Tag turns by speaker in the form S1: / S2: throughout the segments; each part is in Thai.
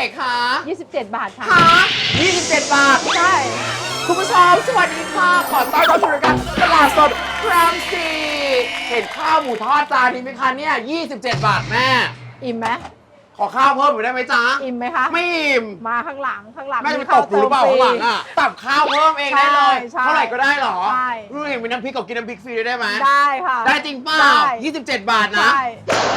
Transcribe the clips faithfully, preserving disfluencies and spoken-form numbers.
S1: คะ
S2: ยี่สิบเจ็ด บาทค่ะ
S1: คะยี่สิบเจ็ดบาท
S2: ใช่
S1: คุณผู้ชมสวัสดีค่ะ ขอต้อนรับสู่รายการตลาดสดครังสีเห็นข้าวหมูทอดจานนี้ไหมคะเนี่ยยี่สิบเจ็ดบาทแม่
S2: อิ่มไหม
S1: ขอข้าวเพิ่มหน่อยได้ไหมจ๊ะ
S2: อิ่มไหมคะ
S1: ไม่อิ่ม
S2: มาข้างหลังข้างหลัง
S1: แม่จะไปตบหรือเปล่าข้างหลังอ่ะตับข้าวเพิ่มเองได้เลย
S2: ใช่
S1: เท่าไหร่ก็ได้เหรอ
S2: ใช่
S1: รู้เห็นมีน้ำพริกกับกินน้ำพริกฟรีได้ไหม
S2: ได้ค่ะ
S1: ได้จริงเปล่า
S2: ได้
S1: ยี่สิบเจ็ดบาทนะ
S2: ใช่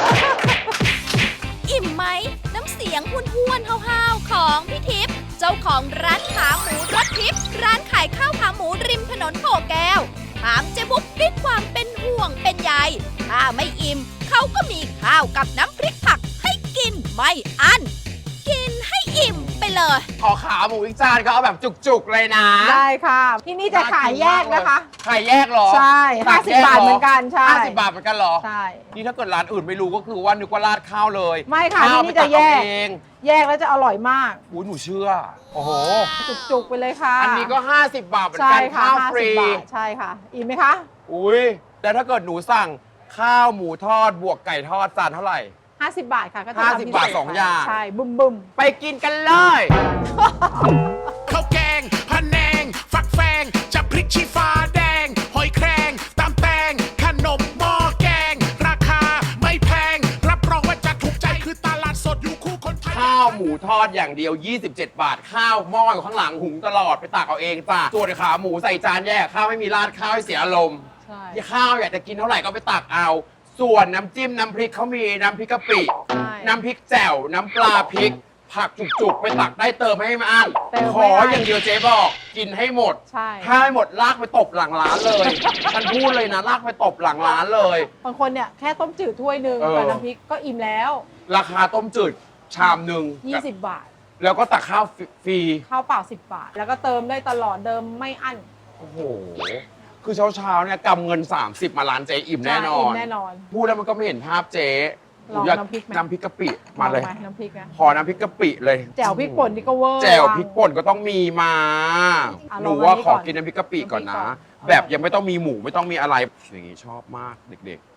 S3: อิ่มไหม น้ำเสียงห้วนห้วนๆห้าวๆของพี่ทิพย์เจ้าของร้านขาหมูรสทิพย์ร้านขายข้าวขาหมูริมถนนโพแก้วถามเจ๊บุ๊กด้วยความเป็นห่วงเป็นใยถ้าไม่อิ่มเขาก็มีข้าวกับน้ำพริกผักให้กินไม่อั้นกินให้อิ่มไปเลย
S1: ขอขาหมูอีกจานก็เอาแบบจุกๆเลยนะ
S2: ได้ค่ะ ที่นี่จะขายแยกนะคะ
S1: ขายแยกเหรอ
S2: ใช่
S1: ตั
S2: ห้าก สิบบาทเหมือนกันใช่
S1: ห้าสิบบาทเหมือนกันเหรอ
S2: ใช่
S1: นี่ถ้าเกิดร้านอื่นไม่รู้ก็คือว่านึกว่าราดข้าวเลย
S2: ไม่ค่ะ
S1: ข้าว
S2: ที่นี่จะแยก
S1: ไปตัเอาเอง
S2: แยกแล้วจะอร่อยมาก
S1: อุ้ยหนูเชื่อ โอ้โห
S2: จุกๆไปเลยค่ะ
S1: อันนี้ก็ห้าสิบบาทเหมือน
S2: ใช่
S1: กัน
S2: ค่ะ
S1: ข้าว
S2: ห้า
S1: ฟ
S2: สิ
S1: รี
S2: บบาทใช่ค่ะ อิ่มไหมคะ
S1: อุ้ยแต่ถ้าเกิดหนูสั่งข้าวหมูทอดบวกไก่ทอดจานเท่าไหร่
S2: ห้าสิบบาทค่ะก็จะ
S1: ห้า
S2: ทำ
S1: สิบ
S2: พิเศษ
S1: บาทสองอย่าง
S2: ใช่บึ้มบึ้ม
S1: ไปกินกันเลย
S4: ข้าวแกงพะแนง ฟักแฟงจะพริกชี้ฟ้าแดง หอยแครงตำแตง ขนมหม้อแกง ราคาไม่แพง รับรองว่าจะถูกใจคือตลาดสดอยู่คู่คนไทย
S1: ข้าวหมูทอดอย่างเดียว ยี่สิบเจ็ด บาท ข้าวหม้ออยู่ข้างหลังหุงตลอดไปตักเอาเองจ้ะส่วนขาหมูใส่จานแยกข้าวไม่มีราดข้าวให้เสียอารมณ์
S2: ใช่
S1: ที่ข้าวอยากจะกินเท่าไหร่ก็ไปตักเอา ส่วนน้ำจิ้มน้ำพริกเขามีน้ำพริกกะปิ
S2: ใช่
S1: น้ำพริกแจ่ว น้ำปลาพริก ผักจุกๆ ไปตักได้เติมให้ไม่อั้น
S2: เติม
S1: ข
S2: ไม่
S1: อ
S2: อั้น
S1: อย่างเดียวเจ๊บอก กินให้หมด
S2: ใช่
S1: ถ้าไม่หมดลากไปตบหลังร้านเลย ฉันพูดเลยนะลากไปตบหลังร้านเลย
S2: บางคนเนี่ยแค่ต้มจืดถ้วยหนึ่ง
S1: เออ
S2: กับน้ำพริกก็อิ่มแล้ว
S1: ราคาต้มจืดชามหนึ่ง
S2: ยี่สิบบาท
S1: แล้วก็ตักข้าวฟรี
S2: ข้าวเปล่าสิบบาท แล้วก็เติมได้ตลอดเดิมไม่อั้น
S1: โอ้โห คือเช้าๆเนี่ยกำเงิน สามสิบ มาร้านเจ๊อิ่มแน่นอ
S2: อิ่
S1: น
S2: มแน่นอน
S1: พูดแล้วมันก็ไม่เห็นภาพเจ๊
S2: ลอง
S1: อยาก
S2: น้ำพริกไหม
S1: น้ำพริกกะปิมาเลย
S2: ลองไหน้ำพริกนะ
S1: ขอน้ำพริกกะปิเลย
S2: แจ่วพริกป่นนี่ก็เวอร์
S1: แจ่วพริกป่นก็ต้องมีมา
S2: อ่ะ
S1: หนูว่า
S2: ลองอันนี้
S1: ขอ
S2: ก่อน
S1: กินน้ำพริกกะปิก่อนนะ
S2: น้ำพริกก่อน
S1: แบบยังไม่ต้องมีหมูไม่ต้องมีอะไร อย่างนี้ชอบมากเด็ก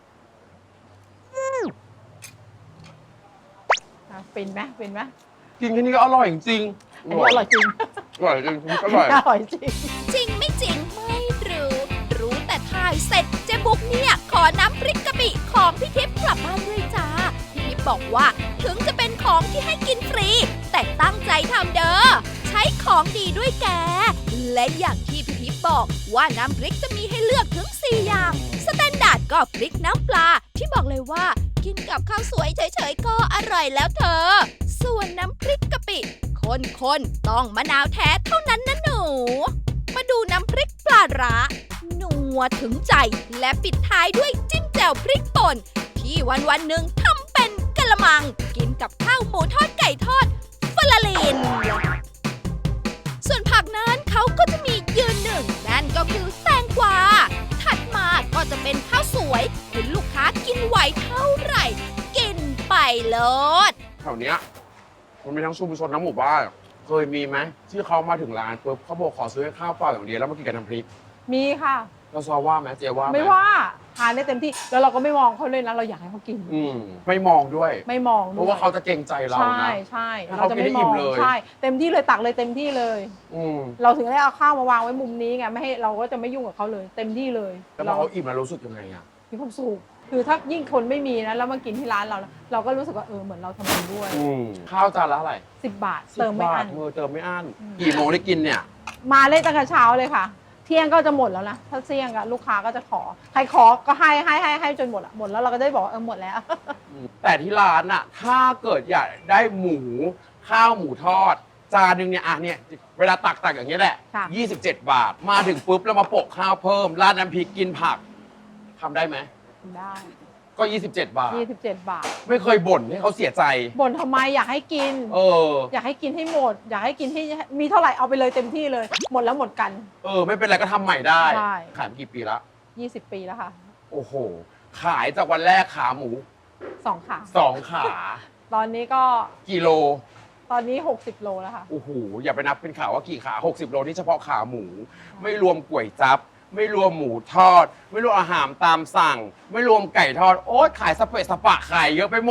S2: อ่ะเป็นไหมเป็นไหม
S1: ๆ กินแค่นี้ก็อร่อยจริงๆ
S2: อันนี้อร่อยจริง
S1: อร่อยจริงอร่อย
S2: อร่อยจริง
S3: จริงไม่จริงไม่รู้ รู้แต่ถ่ายเสร็จเจ๊บุ๊กเนี่ยขอน้ำพริกกะปิของพี่ทิพย์กลับบ้านด้วยจ้าพี่ทิพย์บอกว่าถึงจะเป็นของที่ให้กินฟรี แต่ตั้งใจทำเด้อใช้ของดีด้วยแก และอย่างที่พี่ทิพย์บอกว่าน้ำพริกจะมีให้เลือกถึงสี่อย่างสแตนดาร์ดก็พริกน้ำปลาที่บอกเลยว่ากินกับข้าวสวยเฉยๆก็อร่อยแล้วเธอ ส่วนน้ำพริกกะปิคนๆต้องมะนาวแท้เท่านั้นนะหนู มาดูน้ำพริกปลาร้านัวถึงใจ และปิดท้ายด้วยจิ้มแจ่วพริกป่น ที่วันวันๆหนึ่งทำเป็นกะละมัง กินกับข้าวหมูทอดไก่ทอดฟลาลิน ส่วนผักนั้นเขาก็จะมียืนหนึ่ง นั่นก็คือแตงกวา ถัดมาก็จะเป็นข้าวสวยคุณลูกค้ากินไหวเท่าไหร่ กินไปโลด
S1: แถวเนี้ยมันมีทั้งชุมชนทั้งหมู่บ้านเคยมีไหมที่เขามาถึงร้านปุ๊บเขาบอกขอซื้อข้าวเปล่าอย่างเดียวแล้วมากินกับน้ำพริก
S2: มีค่ะ
S1: เราซอว่าไหมเจ๊ว่าห
S2: ไม่ว่าทานได้เต็มที่แล้วเราก็ไม่มองเขาเลยนะเราอยากให้เขากิน
S1: อืมไม่มองด้วย
S2: ไม่มอง
S1: เพ
S2: ด้วย
S1: ราะว่าเขาจะเกรงใจเรา
S2: ใช่
S1: นะ
S2: ใช่
S1: ให้
S2: เรา
S1: เขา
S2: จะ
S1: กิน
S2: ไม่
S1: ให้
S2: ม
S1: อิ่
S2: อ
S1: ม
S2: ง
S1: เลย
S2: ใช่เต็มที่เลยตักเลยเต็มที่เลย
S1: อืม
S2: เราถึงได้เอาข้าวมาวางไว้มุมนี้ไงไม่ให้เราก็จะไม่ยุ่งกับเขาเลย เต็มที่เลย
S1: แล้วพอเขาอิ่มแล้วรู้สึกยังไงอ่ะ
S2: มีความสุขคือถ้ายิ่งคนไม่มีนะแล้วมากินที่ร้านเรานะเราก็รู้สึกว่าเออเหมือนเราทำบุญด้วย
S1: อืมข้าวจานละเท่าไหร่
S2: สิบบาทเติมไม่อั้น
S1: สิบบาทเธอเติมไม่อั้น
S2: อืม
S1: กี่โมงได้กินเนี่ย
S2: มาเล่นตั้งแต่เช้าเลยค่ะ เที่ยงก็จะหมดแล้วนะถ้าเที่ยงอะลูกค้าก็จะขอใครขอก็ให้ให้ให้ให้จนหมดอะหมดแล้วเราก็ได้บอกว่าเออหมดแล้ว
S1: แต่ที่ร้านอะถ้าเกิดอยากได้หมูข้าวหมูทอด จานหนึงเนี่ยอ่ะเนี่ยเวลาตักตักอย่างนี้ยแหละ
S2: ค่ะ
S1: ยี่สิบเจ็ด บาท มาถึงปุ๊บแล้วมาโปะข้าวเพิ่มราดน้ำพริกกินผักทำได้ไหม
S2: ได้
S1: ก็ ยี่สิบเจ็ด บาท
S2: ยี่สิบเจ็ดบาท
S1: ไม่เคยบ่นให้เขาเสียใจ
S2: บ่นทำไมอยากให้กิน
S1: เออ
S2: อยากให้กินให้หมด อยากให้กินให้มีเท่าไหร่เอาไปเลยเต็มที่เลย หมดแล้วหมดกัน
S1: เออ ไม่เป็นไรก็ทำใหม่ได้
S2: ใช่
S1: ขายมากี่ปีละ
S2: ยี่สิบปีแล้วค่ะ
S1: โอ้โห ขายจากวันแรกขาหมู
S2: สองขา
S1: สองขา
S2: ตอนนี้ก็
S1: กิโล
S2: ตอนนี้หกสิบโลแล้วค่ะ
S1: โอ้โห อย่าไปนับเป็นขาว่ากี่ขา หกสิบ โลนี่เฉพาะขาหมู ไม่รวมก๋วยจั๊บ ไม่รวมหมูทอด ไม่รวมอาหารตามสั่ง ไม่รวมไก่ทอด โอ๊ยขายสเปะสปะขายเยอะไปหมด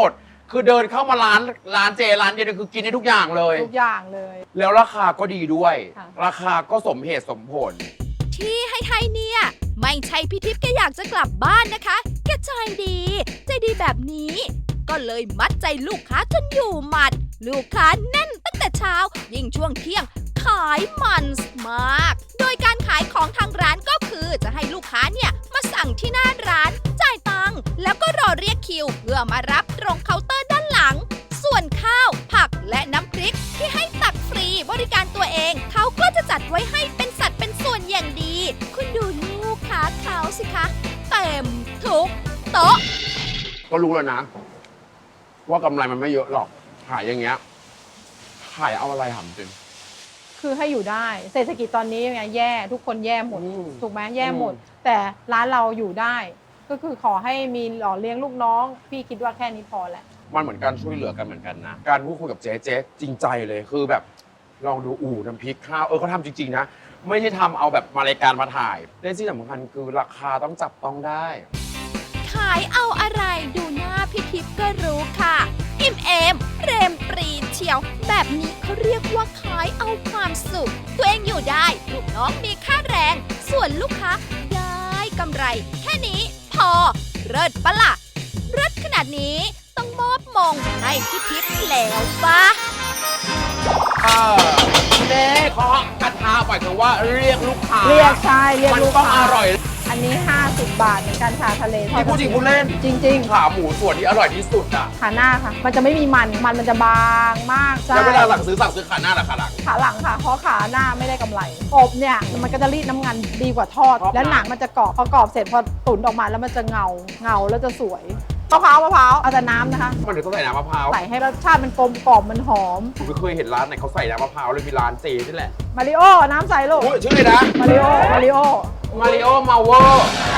S1: คือเดินเข้ามาร้านร้านเจร้านเดียวเนี่ยคือกินได้ทุกอย่างเลย
S2: ทุกอย่างเลย
S1: แล้วราคาก็ดีด้วย
S2: ค่ะ
S1: ราคาก็สมเหตุสมผล
S3: ที่ให้ไทยเนี่ย ไม่ใช่พี่ทิพย์แกอยากจะกลับบ้านนะคะ แกใจดี ใจดีแบบนี้ ก็เลยมัดใจลูกค้าจนอยู่หมัด ลูกค้าแน่นตั้งแต่เช้า ยิ่งช่วงเที่ยงขายมันมาก โดยการขายของทางร้านก็คือจะให้ลูกค้าเนี่ยมาสั่งที่หน้าร้านจ่ายตังค์แล้วก็รอเรียกคิว เพื่อมารับตรงเคาน์เตอร์ด้านหลัง ส่วนข้าว ผักและน้ำพริกที่ให้ตักฟรีบริการตัวเอง เขาก็จะจัดไว้ให้เป็นสัดเป็นส่วนอย่างดี คุณดูลูกค้าเขาสิคะ เต็มทุกโต๊ะ
S1: ก็รู้แล้วนะ ว่ากำไรมันไม่เยอะหรอก ขายอย่างเงี้ย ขายเอาอะไรหำจริง
S2: คือให้อยู่ได้ เศรษฐกิจตอนนี้ไงแย่ทุกคนแย่หมด
S1: อืม
S2: ถูกไหมแย่หมด
S1: อืม
S2: แต่ร้านเราอยู่ได้ ก็คือขอให้มีหล่อเลี้ยงลูกน้อง พี่คิดว่าแค่นี้พอแหละ
S1: มันเหมือนการช่วยเหลือกันเหมือนกันนะ การพูดคุยกับเจ๊เจ๊จริงใจเลยคือแบบ ลองดูอู่น้ำพริกข้าวเออเขาทำจริงๆนะ ไม่ใช่ทำเอาแบบมารายการมาถ่ายและที่สำคัญคือราคาต้องจับต้องได้
S3: ขายเอาอะไรดูหน้าพี่ทิพย์ก็รู้ค่ะ อิ่มเอมเปรมปรีเชียว แบบนี้เขาเรียกว่าขายเอาความสุข ตัวเองอยู่ได้ ลูกน้องมีค่าแรง ส่วนลูกค้าได้กำไร แค่นี้พอเลิศปะล่ะเลิศขนาดนี้ต้องมอบมงให้พี่ทิพย์แล้วปะ
S1: เออเจ๊เคาะกระทะหมายถึงว่าเรียกลูกค้า
S2: เรียกใช่เรียก
S1: มัน
S2: ลูก
S1: ต้อง
S2: ค้า
S1: อร่อย
S2: อันนี้ ห้าสิบบาทเหมือนกันค่ะทะเลทอ
S1: ที่
S2: ด
S1: พูดจริงพูดเล่น
S2: จริง
S1: ขาหมูส่วนที่อร่อยที่สุดอ่ะ
S2: ๆ ขาหน้าค่ะ มันจะไม่มีมัน มันมันจะบางมากใช่
S1: แล้วเวลาหลังซื้อสั่งซื้อขาหน้าหรือขาหลัง
S2: ขาหลังค่ะ เพราะขาหน้าไม่ได้กำไร อบเนี่ยมันก็จะรีดน้ำมันดีกว่าทอด
S1: เพราะ
S2: แล้วหนังมันจะกรอบ พอกรอบเสร็จพอตุ๋นออกมาแล้วมันจะเงา เงาแล้วจะสวย มะพร้าวมะพร้าวเอาแต่น้ำนะคะ
S1: มันถึงต้องใส่น้ำมะพร้าว
S2: ใส่ให้รสชาติมันกลมกล่อมมันหอม
S1: ผมไม่เคยเห็นร้านไหนเขาใส่น้ำมะพร้าวเลยมีร้านเจนี่แหละ
S2: มาริโอ น้ำใสลูก
S1: โอ้ยชื่อเลยนะ
S2: มาริโอ มาริโอ
S1: มาริโอมาเวอร์